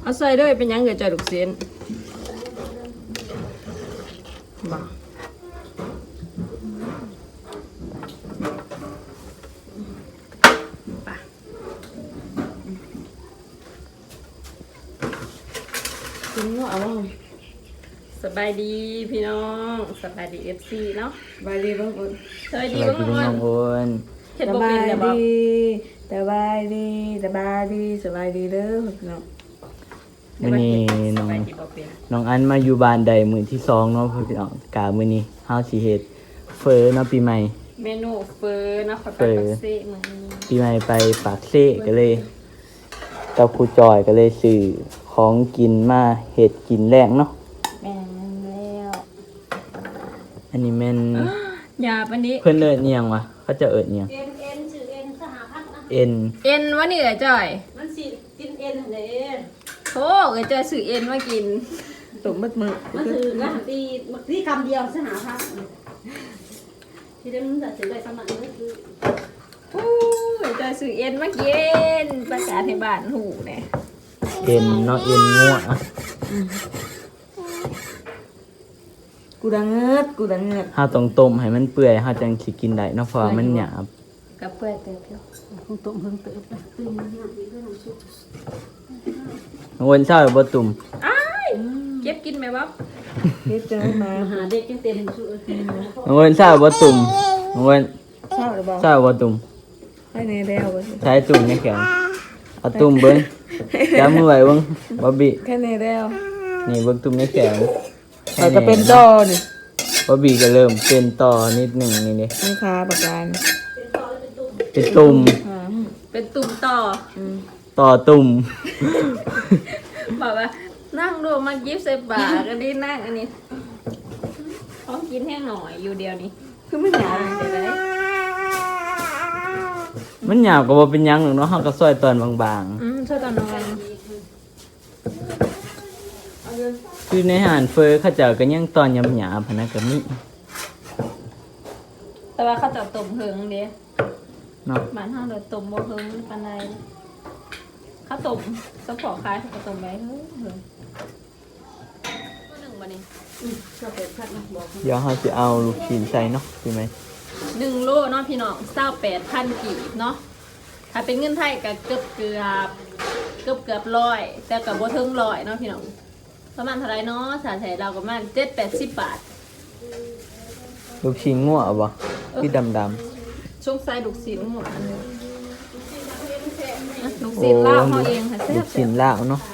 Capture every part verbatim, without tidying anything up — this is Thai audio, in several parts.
เอาใส่ด้วยเป็นยังเกิดใจลูกเส้นบ่กินว่าเอาสบายดีพี่น้องสบายดีเอฟซีเนาะสบายดีบ้างอุ่นสบายดีบ้างอุ่นเห็นบ่เป็นแต่บ่สบายดีสบายดีสบายดีเด้อพี่น้องมื้อนี้น้องน้องอันมาอยู่บ้านใดมื้อที่สองเนาะพี่น้องกะมื้อนี้เฮาสิเฮ็ดเฟอเนาะปีใหม่เมนูเฟอเนาะไปปากเซ่มื้อนี้ปีใหม่ไปปากเซ่ก็เลยกับครูจอยก็เลยซื้อของกินมาเฮ็ดกินแรงเนาะแม่นแล้วอันนี้แม่นยาปันนี้เพิ่นเอิ้นอีหยังวะเขาจะเอิ้นอีหยังเอ็นเอ็นชื่อเอ็นสหพัฒน์นะเอ็นเอ็นวะนี่แหละจ้อยมันสิกินเอ็นเด้โธ่เอ้ยจ้อยซื้อเอ็นมากินตุ่มมืดมืดมันคือกันตีที่คำเดียวสหพัฒน์ที่ได้มันจะซื้อได้สมัครก็คือโอ้ยจ้อยซื้อเอ็นมากินประกาศให้บ้านหูแน่เอ็นเนาะเอ็นงัวกูดังเงิดกูดังเงิดเฮาต้องต้มให้มันเปื่อยเฮาจังสิกินได้เนาะเพราะมันหยาบกับเปื่อยเติบอยู่คงต้มเพิ่งเติบตื่นมาหน้าอีกด้วยน้ำซุปน้องวันเช้าบ่ตุ่มอ้ายเก็บกินไหมวะเก็บเจอมาหาเด็กจังเต็มซุปน้องวันเช้าบ่ตุ่มน้องวันเช้าหรือบ่เช้าบ่ตุ่มให้แน่แล้วบ่ใช้ตุ่มในแขนเอาตุ่มเบิ่งจับมือไว้เบิ่งบ่บิแค่แน่แล้วนี่เบิ่งตุ่มในแขนเราจะเป็นต่อนี่บ่บีก็เริ่มเป็นต่อนิดหนึ่งนี่นี่นี่ค่ะประกันเป็นตุ่มเป็นตุ่มต่อต่อตุ่มบอกว่านั่งดูมายิบใส่ปากกันดินั่งอันนี้พร้อมกินแห้งหน่อยอยู่เดียวนี้คือมันหยาบเดี๋ยวได้มันหยาบก็บ่เป็นหยังหรอกเนาะเฮาก็ซอยตอนบางๆอืมซอยตอนบางคือในอาหารเฟอเขาเจ้าก็ยังตอนหยาบๆพะนะก็มีแต่ว่าเขาจะต้มเฮิงเด้เนาะบ้านเฮาเลยต้มบ่เฮิงปานใดเขาต้มซัพพอร์ตคายเขาก็ต้มไว้เฮิงเฮิงตัวนึงบ่นี่อือก็เป็ดผัดนะบอกเดี๋ยวเฮาสิเอาลูกชิ้นใส่เนาะใช่มั้ยหนึ่งโลเนาะพี่น้องเศร้าแปดพันกีบเนาะถ้าเป็นเงินไทยก็เกือบเกือบเกือบเกือบร้อยแต่กับบ่ถึงร้อยเนาะพี่น้องประมาณเท่าไรเนาะสาแถเราประมาณเจ็ดแปดสิบบาทลูกชิ้นงัวบ่ที่ดำๆช่วงไซลูกชิ้นหมดอันนึงลูกชิ้นลาวเฮาเองค่ะแซ่บลูกชิ้นลาวเนาะ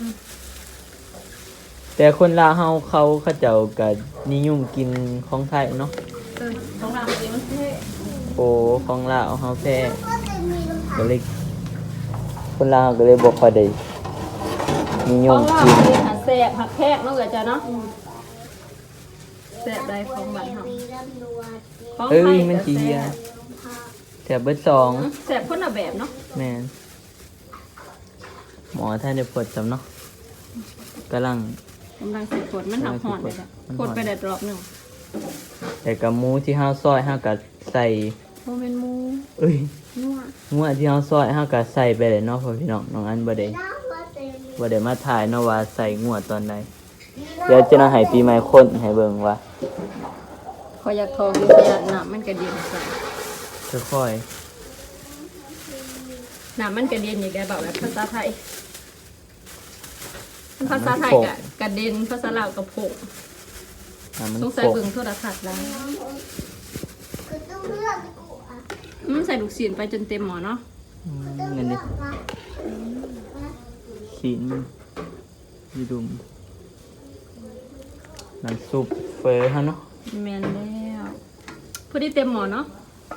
แต่คนลาวเฮาเขาเขาเจ้าก็นิยมกินของไทยเนาะเออของลาวจริงมันแท้โอ้ของลาวเฮาแท้ก็เลยคนลาวก็เลยบ่ค่อยได้นิยมกินแซ่บผักแพกเนาะเกิดจ้ะเนาะแซ่บได้ของบ้านเฮาเอ้ยมันสิเฮียแซ่บเบิดสองแซ่บคนละแบบเนาะแม่นหมอท่านได้ปวดจำเนาะกำลังกำลังสิปวดมันหักหอนเลยจ้ะปวดไปได้รอบนึงแต่กับหมูที่เฮาซอยเฮาก็ใส่บ่แม่นหมูเอ้ยงัวงัวที่เฮาซอยเฮาก็ใส่ไปเลยเนาะพ่อพี่น้องน้องอันบ่ได้บ่ได้มาถ่ายเนาะว่าใส่งัวตอนใดเดี๋ยวจะน่าให้ปีใหม่คนให้เบิ่งว่าขออยากทองอยู่ขนาดน้ำมันกระเด็นใส่ค่อยๆน้ำมันกระเด็นอีกแล้วแบบแบบภาษาไทยภาษาไทยกะกระเด็นภาษาลาวกระโผล่ต้องใส่เบิ่งโทรทัศน์แล้วอืมใส่ลูกศิลไปจนเต็มหมอเนาะเงินดิศิลยีดุมน้ำซุปเฟอร์ฮะเนาะแมนแล้วพอดีเต็มหมอเนาะ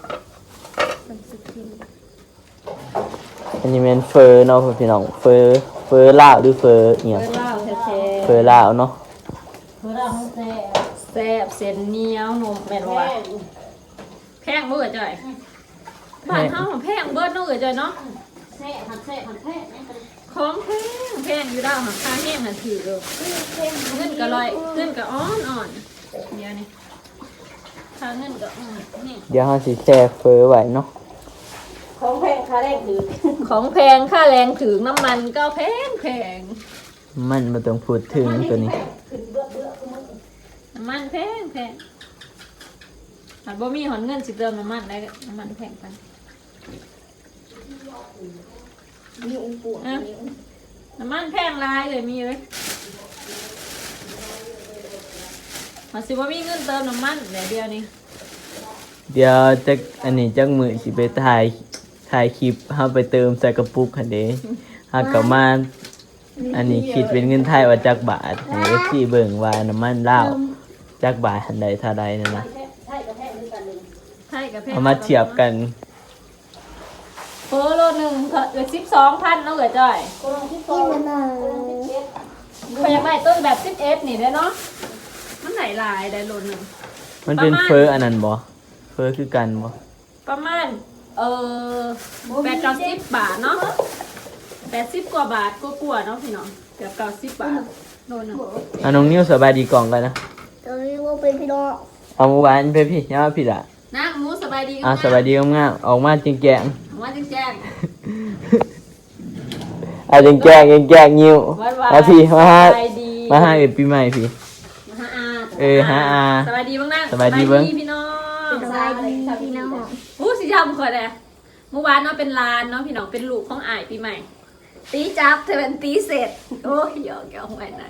อันนี้เป็นเฟอร์เนาะพี่น้องเฟอร์เฟอร์ลาวหรือเฟอร์เนี่ยเฟอร์ลาวแท้ๆเฟอร์ลาวเนาะเฟอร์ลาวแซ่บแซ่บเส้นเหนียวนมแม่นว่าแพงเบิดจ่อยบ้านเฮาแพงเบิดเนาะเอ้ยจ่อยเนาะแซ่บผัดแซ่บผัดแซ่บของแพงแพงอยู่ดาวหาค่าแห้งน่ะถือเด้อเงินก็ลอยเงินก็อ่อนๆเดี๋ยวนี้ค่าเงินก็นี่เดี๋ยวเฮาสิแช่เฟอร์ไว้เนาะของแพงค่าแรงถือของแพงค่าแรงถือน้ำมันก็แพงแพงมันบ่ต้องพูดถึงตัวนี้ขึ้นเบื่อเบื่อคือมึงน้ำมันแพงแพงหันบ่มีหอนเงินสิเติมน้ำมันได้น้ำมันแพงไปมีองค์ปู่มีองค์น้ำมันแพงหลายเลยมีเลยหันสิบ่มีเงินเติมน้ำมันเดี๋ยวเดียวนี้เดี๋ยวจักอันนี้จักมื้อสิไปถ่ายถ่ายคลิปเฮาไปเติมใส่กระปุกหั่นเด้เฮาก็มาอันนี้คิดเป็นเงินไทยว่าจักบาทให้ เอฟ ซี เบิ่งว่าน้ำมันลาวจักบาทหันใดเท่าใดนั่นนะใช่กับแพงด้วยกันเลยใช่กับแพงเอามาเทียบกันโฟโลหนึ่งเกือบสิบสองพันเนาะเอ๋ยจ้อยโครงที่สองโครงที่เจ็ดพอยากได้ต้นแบบสิบเอสนี่ได้เนาะมันไหลลายได้โลหนึ่งมันเป็นประมาณเฟออันนั้นบ่เฟอคือกันบ่ประมาณเออแปดเก้าสิบบาทเนาะแปดสิบกว่าบาทก็กลัวาๆเนาะพี่น้องเกือบเก้าสิบบาทโลหนึ่งอ่ะน้องนิ้วสบายดีกล่องกันนะเอ้ยว่าเป็นพี่น้องเอาเมื่อวานไปพี่อย่ามาพี่ละนะหมูสบายดีอ่ะสบายดีงามๆออกมาจริงแกงว่าจริงแจ้งอ่ะจริงแกงจริงแกงนิ้ววันวานมาพี่มาหาสบายดีมาหาเอ็ดปีใหม่พี่มาหาอาเออหาอาสบายดีบ้างนะสบายดีเบิ่งพี่น้องสบายดีพี่น้องอู้สิยำขอดเลยเมื่อวานเนาะเป็นลานเนาะพี่น้องเป็นลูกของอ้ายปีใหม่ ตีจับเธอเป็นตีเสร็จโอ้ยหยอกหยอกไว้หน่อย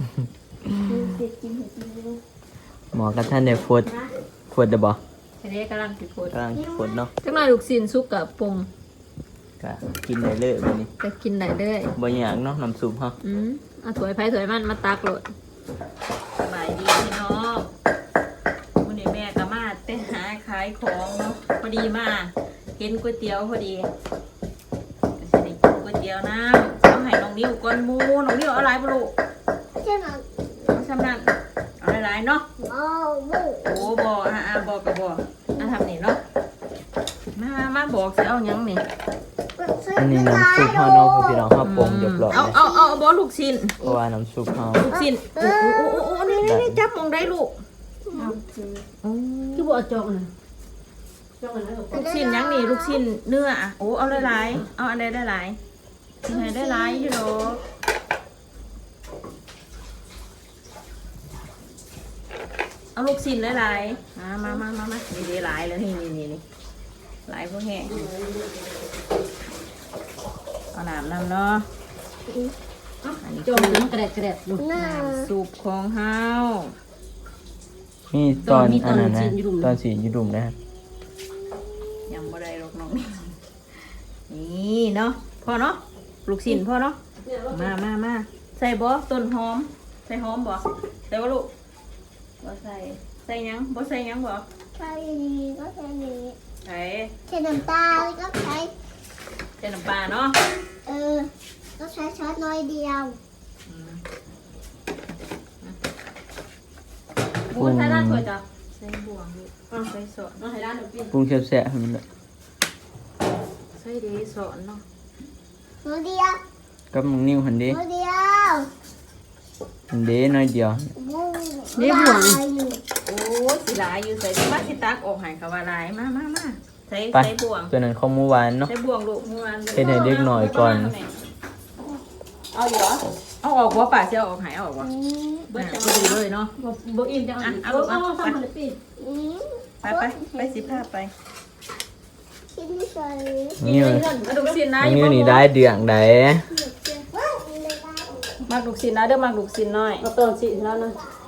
หมอกับท่านได้โพดโพดได้บ่ทีนี้กำลังติดโพดกำลังโพดเนาะจังหน่อยลูกศิลซุกกับปรุงก็กินได้เลยบัดนี้จะกินได้เด้อยบ่อยากเนาะน้ำซุปเฮาอืมเอาถวยไผ่ถวยมันมาตักโหลดสบายดีพี่น้องวันนี้แม่ก็มาไปหาขายของเนาะพอดีมาเห็นก๋วยเตี๋ยวพอดีก็จะได้กินก๋วยเตี๋ยวน้ำเอาให้น้องนิ้วก้อนหมูน้องนิ้วเอาอะไรบ่ลูกใช่ไหมเอาซ้ำนั่นเอาหลายๆเนาะอ๋อบุโอ้บออ่ะอ่ะบอกกับบอกอ่ะทำนี่เนาะมามามาบอกสิเอาหยังนี่อันนี้น้ำซุปเฮาเนาะพี่น้องเฮาปรุงเรียบร้อยเอาแล้วเอาเอาเอาบอลูกชิ้นเพราะว่าน้ำซุปเฮาลูกชิ้นโอ้โอ้โอ้โอ้โอ้นี่นี่นี่จับมองได้ลูกคือบอกจองนะจองนะลูกชิ้นหยังนี่ลูกชิ้นเนื้ออ่ะโอ้เอาหลายๆเอาอันใดได้หลายมีให้ได้หลายอยู่ดอกเอาลูกชิ้นหลายๆมามามามามานี่ดีหลายแล้วนี่นี่นี่นี่หลายพวกแห้งเอาน้ำน้ำเนาะอันนี้จองน้ำกระเด็ดกระเด็ดดูน้ำซุปของเฮามีตอนมีตอัอนนนั้นนะสีอยู่ดุมตอนสีอยู่ดุมนะครับยังบ่ได้หรอกน้องนี่เนาะพอเนาะลูกชิ้นพอเนาะมามามาใส่บ่ต้นหอมใส่หอมบ่ใส่บ่ลูกบ่ใส่ใส่หยังบ่ใส่หยังบ่ใช่นี้ก็ใช่นี้ใส่ใช้น้ำตาลก็ใช้ใส่น้ำปลาเนาะเออก็ใช้ช้อนน้อยเดียวบูนใส่ด้านถ้วยจ้ะใส่บวงลูกเอาใส่สอนเนาะให้ด้านหนูปิ้นปรุงแซ่บๆให้มันเลยใส่ดีสอนเนาะน้อยเดียวกับน้องนิ้วหันเด้น้อยเดียวหันเด้น้อยเดียวนี่ห่วงโอ้ยสิหลายอยู่ใส่บ้านสิตักออกให้ก็ว่าหลายมามามาใส่ไปใส่บวงตัวนั้นของเมื่อวานเนาะใส่บวงลูกเมื่อวานเฮ็ดให้เด็กหน่อยก่อนเอาอยู่เหรอเอาออกว่าป่าเสียออกหายเอาออกวะเบิดจะดีเลยเนาะบ่อิ่มจังอ่ะเอาลูกเอาไปทำมันปิดไปไปไปสิพาไปกินไม่ใช่นิ้วมาดูสินนะน้องนิ้วนี่ได้เดืองได้มาดูสินนะเด้อมาดูสินหน่อยเราเติมสีแล้วนะ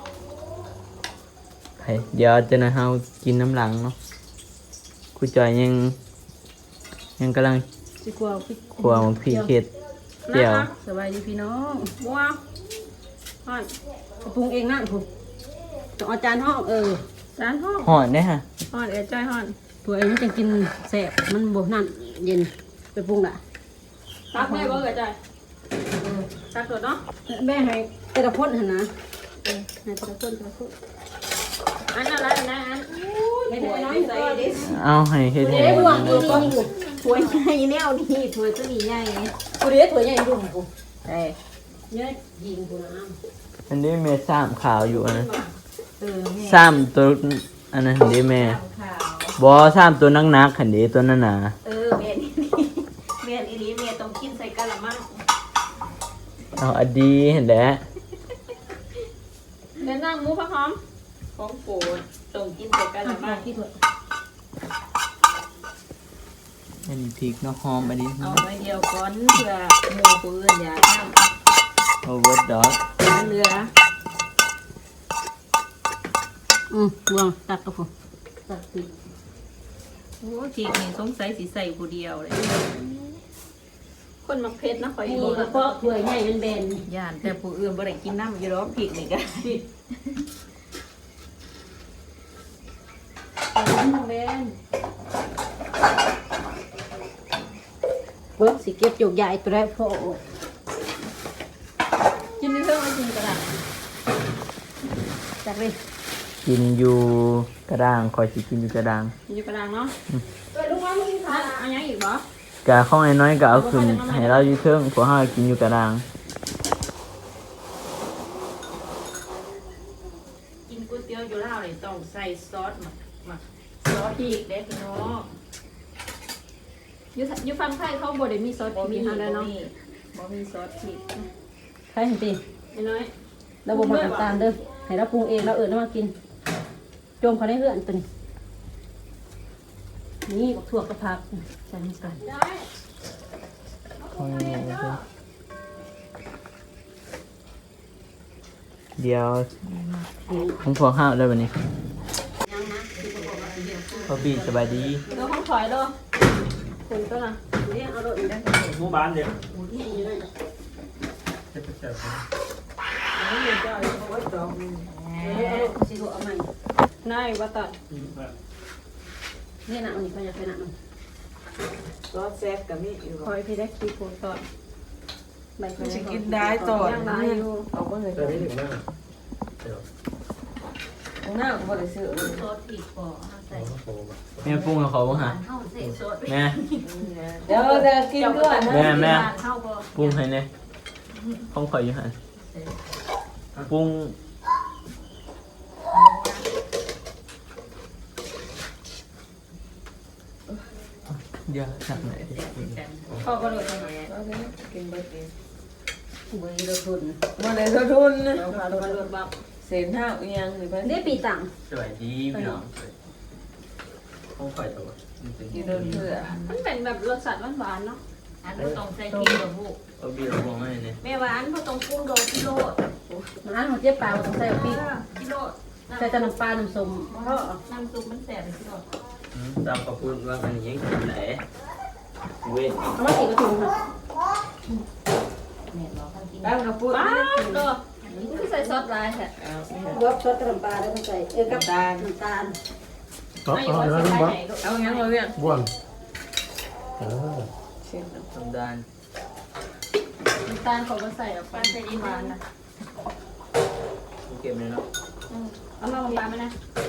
ไปเดี๋ยวจะนะเฮากินน้ำหลังเนาะครูจอยยังยังกำลังสิกว่าพี่ครัวของพี่เข็ดเดี๋ยวนะสบายดีพี่น้องบัวห่อนปรุงเองนั่นผมต้องเอาจานห้องเออจานห้องห่อนได้ฮะห่อนเอ๋จ้อยห่อนตัวเองจะกินแสบมันบ่นั่นเย็นไปปรุงละตักแม่บ่เอ๋จ้อยตักตัวเนาะแม่ให้แต่ละคนหั่นนะเออให้แต่ละคนแต่ละคนอันนั้นอันนั้นอันให้แต่ละน้อยใส่ดิเอาให้เฮ็ดให้เอ้ยบ่วงนี่นี่นี่ถ้วยใหญ่แนวนี้ถ้วยตัวนี้ใหญ่กูเรียกถั่วใหญ่ดุ่มกูเอ้ยเนี่ยยิงกูนะอันนี้แม่ซ้ำขาวอยู่อันนั้นเออแม่ซ้ำตัวอันนั้นหันเด้แม่ขาวบ่ซ้ำตัวนักๆหันเด้ตัวนั้นน่ะเออแม่นี่แม่อีนี้แม่ต้องกินใส่กะละมังเอาอดีเห็นแหละเดินนั่งหมูผักหอมของโปรดส่งกินใส่กันละบ้างที่ถั่วอันนี้พริกเนาะหอมอันนี้เอาไว้เดียวก่อนเพื่อหมูปืนอย่าทำโอเวอร์ดอกเรืออืมวางตักกระพุ้ตักติดโอ้ทีนี่สงสัยสิใส่ผู้เดียวเลยคนมักเพชรนะคอยนี่บอกกระเพาะถ้วยใหญ่เป็นเบนย่านแต่ผู้อื่นบ่ได้กินน้ำอยู่หรอกพริกนี่ก็เบนเบิ้งสิเก็บโยกใหญ่ตัวแรกพ่อกินในเครื่องไม่กินกระดาษจักเลยกินอยู่กระด้างคอยสิกินอยู่กระด้างกินอยู่กระดางเนาะเอ้ยลูกว่ามึงทาอ่ะเอายังอีกบ่กะข้องน้อยๆก็เอาขึ้นให้เราอยู่เทิงพวกเฮากินอยู่กระด้างกินก๋วยเตี๋ยวอยู่ลาวนี่ต้องใส่ซอสหมักหมักซอสพริกเด้พี่น้องอยู่อยู่ฝั่งไทยเขาบ่ได้มีซอสพริกมีเฮาแล้วเนาะบ่มีซอสพริกใครเห็นตีน้อยเราบ่มาน้ำตาลเด้อให้เราปรุงเองเราเอิญมากินจมเขาได้เพื่อนตัวนี้นี่บักถั่วกระพักใส่ลงกันข้องน้อยๆเด้อเดี๋ยวของพวกเฮาได้บัดนี้พ่อพี่สบายดีเดี๋ยวห้องถอยเด้อคุณก็นะนี่เอาโรยอีกได้หมู่บ้านเดียวนี่อยู่นั่นเจ็บเจ็บเอาโรยสิถั่วเอาใหม่นายว่าตัดนี่นะอันนี้เขาจะไปนะมันก็แซ่บกับมีอยู่คอยพี่ได้คีโพตอนใบเขาจะจะกินได้ต่อยังไรอยู่เอาเมื่อไหร่แต่ไม่ถึงหน้าเดี๋ยวตรงหน้าก็บ่ได้ซื้อซอสพริกพอใส่โอ้โหแม่ปรุงให้เขาบ่ฮะเข้าใส่ซอสแม่เดี๋ยวจะกินด้วยนะแม่แม่เข้าพอปรุงให้แน่ของข่อยอยู่หั่นปรุงเดี๋ยวจับไหนดิพ่อก็เลยทำไงกินเบิดเองเบยเราทุนบ่ได้ทุทุนเราพาเรามาลวกบับเศษห้าอีหยังนี่เพิ่นได้ปีตังสวัสดีพี่น้องของข่อยตัวกินโดนเพื่อมันเป็นแบบรสชาติหวานๆเนาะอันนี้ต้องใส่พริกกับผู้เอาบีเราบอกให้เนี่ยแม่หวานเพราะต้องปรุงโดนกิโลร้านของเจ๊ปลาต้องใส่ปีกกิโลใส่แต่น้ำปลาน้ำส้มเพราะน้ำซุปมันแสบไปกิโลตามขอบคุณว่าอันนี้ยังกินไหนเว้นเอามาสีกระถุงค่ะตั้งกระปุกป้านี่กินตัวนี่คือใส่ซอสลายแท้เอารวบชดน้ำปลาแล้วก็ใส่เออกับตาลน้ำตาลต่อไม่ต่อว่าเดี๋ยวใส่นะไหบ้านนเอาหยังมาเวียนบ้วนเออเช่นทำดานน้ำตาลเขาก็ใส่ออกไปใส่ดีหวานนะเก็บเลยเนาะเอามาบางๆไหมนะ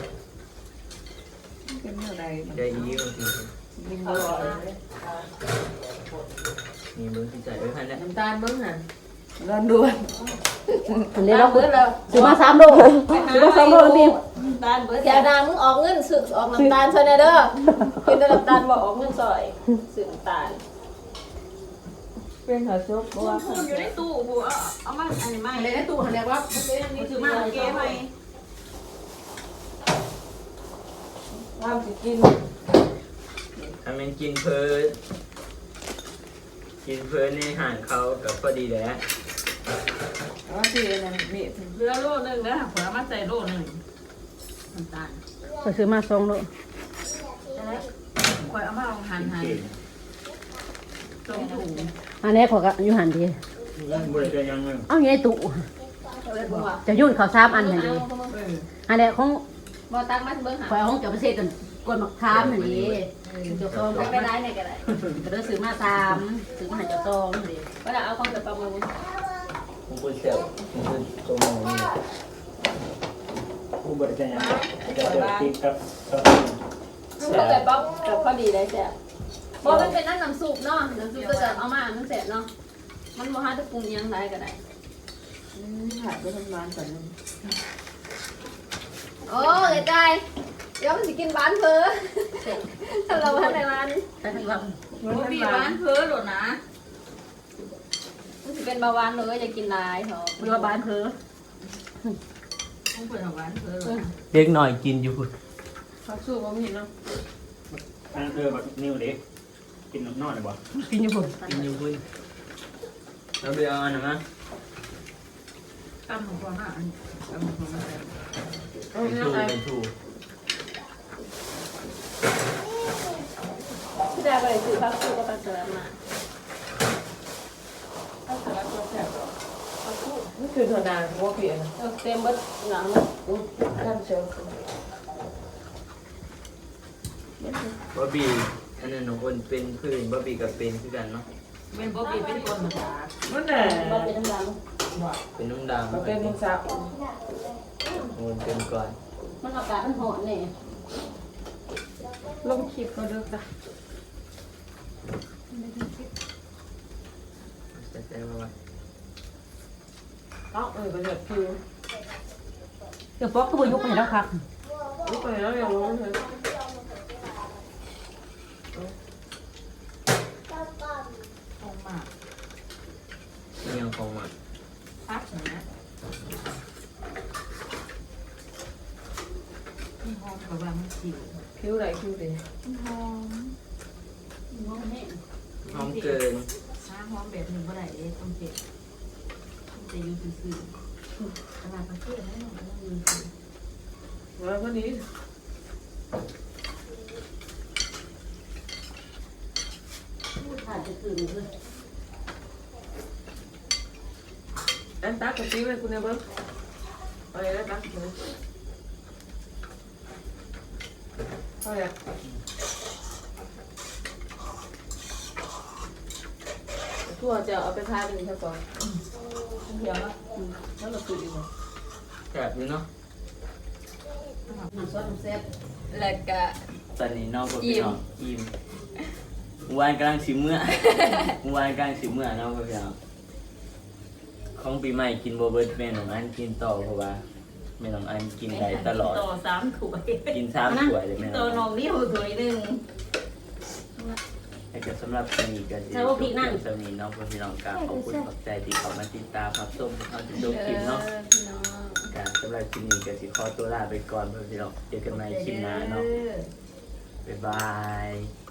เป็นเท่าใดใจอีบางทีกินบ่อร่อยมีเบอร์ที่ใจไว้ให้แล้วน้ำตาลเบิ่งหั่นร้อนด่วนอันนี้เราเบิดแล้วซื้อมาสามโลซื้อมาสามโลแล้วพี่น้ำตาลเบิร์ดแกดังมึงออกเงินซื้อออกน้ำตาลซอยเด้อกินแต่น้ำตาลบ่ออกเงินซอยซื้อน้ำตาลเป็นข้าวซุปบ่ว่าพูดอยู่ในตู้กูเอาเอามาอันนี้มาในตู้เขาเรียกว่านี่ถือมาเก๋ไหมว่าสิกินถ้ามันกินเพลินกินเพลินในห่างเขากับพอดีแล้วว่าสินั่นมีเรือโลนึงนะผลมาใส่โลนึงน้ำตาลซื้อมาสองโลคอยเอามาลองหั่นหั่นเก่งตรงถุงอันนี้ขอกับอยู่หันดีบริการยังไงเอาอยู่ในตู้จะยุ่นเขาวสามอันหันดีอันนี้ของบ่ตักมาเบิ่งหาข่อยเอาของเจ้าประเทศกันกวนมะขามหันดีเจ้าซองไปได้ไหนก็ได้ก็เลยซื้อมาสามซื้อมาให้เจ้าซองหันดีก็ได้เอาของจะประมูลผมพูดเซลผมพูดตรงนี้ผู้บริการยังจะเจอติ๊กกับมันก็แบบป๊อกกับพอดีได้แซ่บบ่มันเป็นน้ำน้ำซุปเนาะน้ำซุปก็จะเอามามันแซ่บเนาะมันบ่หาจะปรุงยังไงก็ได้ผัดไปทำงานก่อนนึงโอ้ยไก่เดี๋ยวมันสิกินบ้านเพ้อถ้าเราทำในร้านแต่ทั้งวันบ่มีบ้านเพ้อหรอกนะมันสิสิเป็นเบาหวานเลยอยากกินหลายเหรอเรือบ้านเธอต้องเปิดของหวานเพิ่มเด็กหน่อยกินอยู่พุ่นเขาสู้บ่มีเนาะทางเธอแบบนิ้วเด็กกินนอนเลยบ่กินอยู่ผมกินอยู่พุ่นแล้วไปเอาอันนั้นมาตำของพ่อหน้าอันตำของพ่อหน้าเป็นทูเป็นทูที่ได้ไปซื้อผักสู้ก็ผักสลัดมาถ้าสลัดก็แซ่บนี่คือถั่วดาวหัวเปลี่ยนเออเต็มเบิดหนังท่านเชียวบอบบี้อันนั้นของคนเป็นพื้นบอบบี้กับเป็นคือกันเนาะเป็นบ๊อบบี้เป็นคนมาจากมันแหละบ่เป็นน้ำดังเป็นนุ่งดำมันเป็นมุงสาวมันเป็นก่อนมันอากาศมันร้อนนี่ลงคลิปก็เลิกจ้ะแต่แต่ว่าเอ้าเออเป็นแบบคิวเดี๋ยวป๊อกก็บ่ยกไปแล้วครับนี่ไปแล้วยังร้อนเลยออกมามันยังคงอ่ะพักนะหอมกับว่ามันสิวคิวไหนคิวดิหอมมองแห้งหอมเกินถ้าหอมแบบหนึ่งบ่ได้เด้ต้องเจ็บต้องจะอยู่ซื่อๆขนาดประเทศให้หน่อยต้องอยู่ซื่อแล้วก็นี้พูดขาดจะตื่นเลยอันตักกับซีไว้คุณเนี่ยเบิ้งเอาเลยนะตักเลยเอาเลยทั่วจะเอาไปทานเป็นแค่ก่อนเดี๋ยวนะแล้วเราคุยดีกว่าแสบอยู่เนาะน้ำซอสน้ำแซ่บแล้วก็ตอนนี้น้องก็พี่น้องอิ่มวานกำลังสิเมื่อวานกำลังสิเมื่อน้องก็พี่น้องของปีใหม่กินโบเบิร์ตแม่น้องอันกินต่อเพราะว่าแม่น้องอันกินได้ตลอดต่อสามถ้วยกินสามถ้วยเลยแม่น้ตัอวงน้องนี่หัวถ้วยหนึ่งแต่ก็สำหรับสนีก็จะจบเพียงสนีน้องพี่น้องกราบขอบคุณขอบใจที่เขามาติดตามรับชมเขาจะจบคลิปเนาะพี่น้องการสำหรับคลิปนี้ก็สิขอตัวลาไปก่อนเพื่อนพี่น้องเจอกันใหม่คลิปหน้าเนาะบ๊ายบาย